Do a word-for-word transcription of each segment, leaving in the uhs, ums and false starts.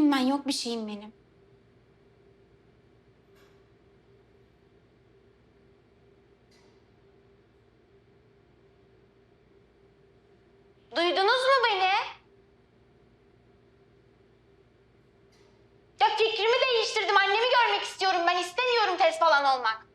İyiyim ben, yok bir şeyim benim. Duydunuz mu beni? Ya fikrimi değiştirdim. Annemi görmek istiyorum. Ben istemiyorum test falan olmak.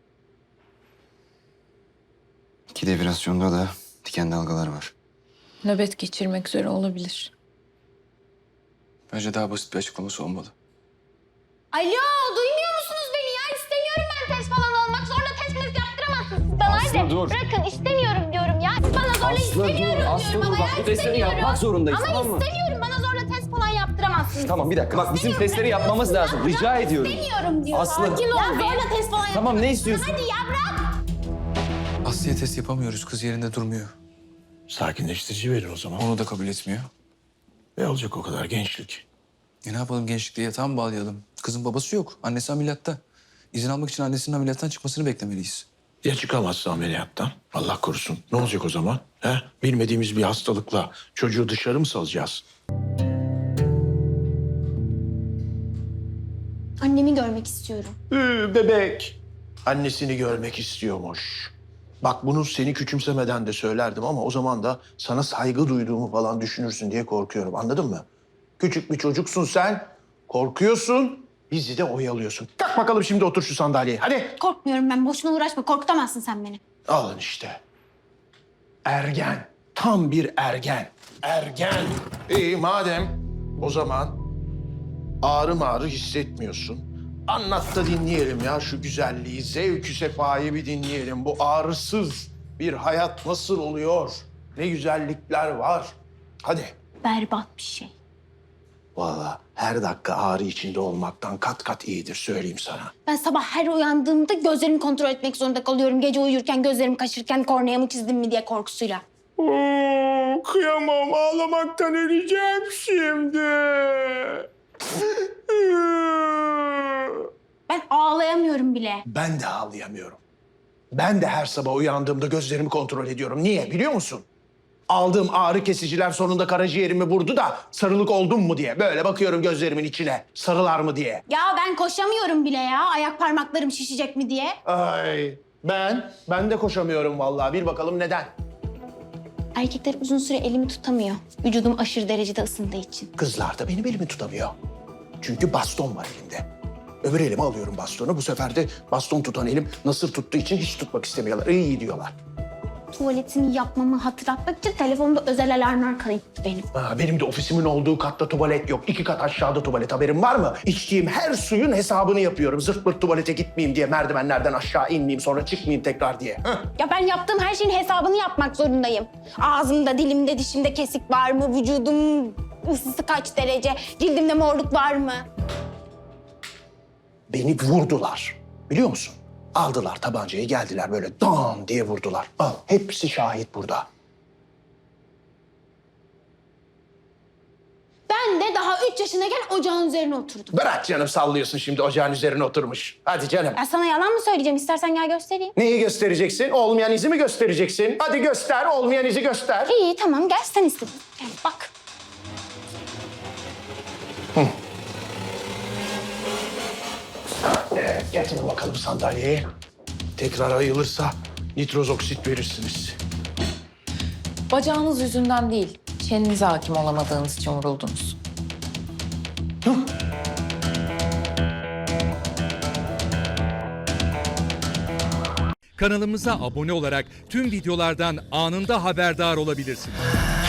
İki devibrasyonda da diken dalgalar var. Nöbet geçirmek üzere olabilir. Bence daha basit bir açıklaması olmalı. Alo, duymuyor musunuz beni ya? İstemiyorum ben test falan olmak. Zorla test test yaptıramazsınız. Bana Aslı, hadi. dur. Bırakın, istemiyorum diyorum ya. Siz bana zorla Aslı, istemiyorum dur. Aslı, diyorum dur. ama Bak, ya bu testleri istemiyorum. yapmak zorundayız, ama tamam mı? istemiyorum. Bana zorla test falan yaptıramazsınız. Tamam bir dakika. Bak bizim İstemiyorum, testleri bırakın. yapmamız lazım. Ya, Rica bırak, ediyorum. İstemiyorum diyorum. Aslı. Sakin ol. Ya zorla test falan Tamam, ne yaptıramazsınız. istiyorsun? Hadi ya bırak. Aslı'ya test yapamıyoruz. Kız yerinde durmuyor. Sakinleştirici verin o zaman. Onu da kabul etmiyor. Ne olacak o kadar gençlik? E ne yapalım, gençlikte yatağa mı bağlayalım? Kızın babası yok. Annesi ameliyatta. İzin almak için annesinin ameliyattan çıkmasını beklemeliyiz. Ya çıkamazsa ameliyattan? Allah korusun. Ne olacak o zaman? He? Bilmediğimiz bir hastalıkla çocuğu dışarı mı salacağız? Annemi görmek istiyorum. Ee, bebek. Annesini görmek istiyormuş. Bak bunu seni küçümsemeden de söylerdim ama o zaman da sana saygı duyduğumu falan düşünürsün diye korkuyorum. Anladın mı? Küçük bir çocuksun sen. Korkuyorsun. Bizi de oyalıyorsun. Kalk bakalım şimdi otur şu sandalyeye. Hadi. Korkmuyorum ben. Boşuna uğraşma. Korkutamazsın sen beni. Alın işte. Ergen. Tam bir ergen. Ergen. İyi madem o zaman ağrı mağrı hissetmiyorsun. Anlat da dinleyelim ya şu güzelliği, zevkü sefayı bir dinleyelim. Bu ağrısız bir hayat nasıl oluyor? Ne güzellikler var. Hadi. Berbat bir şey. Vallahi her dakika ağrı içinde olmaktan kat kat iyidir söyleyeyim sana. Ben sabah her uyandığımda gözlerimi kontrol etmek zorunda kalıyorum. Gece uyurken gözlerim kaşırken korneamı çizdim mi diye korkusuyla. Oo, kıyamam ağlamaktan öleceğim şimdi. Ben ağlayamıyorum bile. Ben de ağlayamıyorum. Ben de her sabah uyandığımda gözlerimi kontrol ediyorum. Niye biliyor musun? Aldığım ağrı kesiciler sonunda karaciğerimi vurdu da sarılık oldum mu diye. Böyle bakıyorum gözlerimin içine. Sarılar mı diye. Ya ben koşamıyorum bile ya. Ayak parmaklarım şişecek mi diye. Ay ben, ben de koşamıyorum vallahi. Bir bakalım neden? Erkekler uzun süre elimi tutamıyor. Vücudum aşırı derecede ısındığı için. Kızlar da benim elimi tutamıyor. Çünkü baston var elimde. Öbür elime alıyorum bastonu. Bu sefer de baston tutan elim nasır tuttuğu için hiç tutmak istemiyorlar. İyi diyorlar. Tuvaletimi yapmamı hatırlatmak için telefonumda özel alarmlar kayıttı benim. Ha, benim de ofisimin olduğu katta tuvalet yok. İki kat aşağıda tuvalet. Haberin var mı? İçtiğim her suyun hesabını yapıyorum. Zırt pırt tuvalete gitmeyeyim diye, merdivenlerden aşağı inmeyeyim, sonra çıkmayayım tekrar diye. Heh. Ya ben yaptığım her şeyin hesabını yapmak zorundayım. Ağzımda, dilimde, dişimde kesik var mı? Vücudum ısısı kaç derece? Cildimde morluk var mı? Beni vurdular. Biliyor musun? Aldılar tabancayı, geldiler böyle dam diye vurdular. Al, hepsi şahit burada. Ben de daha üç yaşındayken ocağın üzerine oturdum. Bırak canım, sallıyorsun şimdi, ocağın üzerine oturmuş. Hadi canım. Ben sana yalan mı söyleyeceğim? İstersen gel göstereyim. Neyi göstereceksin? Olmayan izi mi göstereceksin? Hadi göster, olmayan izi göster. İyi tamam gel sen istedin. Gel bak. Evet, getirin bakalım sandalyeyi. Tekrar ayılırsa nitroz oksit verirsiniz. Bacağınız yüzünden değil, kendinize hakim olamadığınız için vuruldunuz. Kanalımıza abone olarak tüm videolardan anında haberdar olabilirsiniz.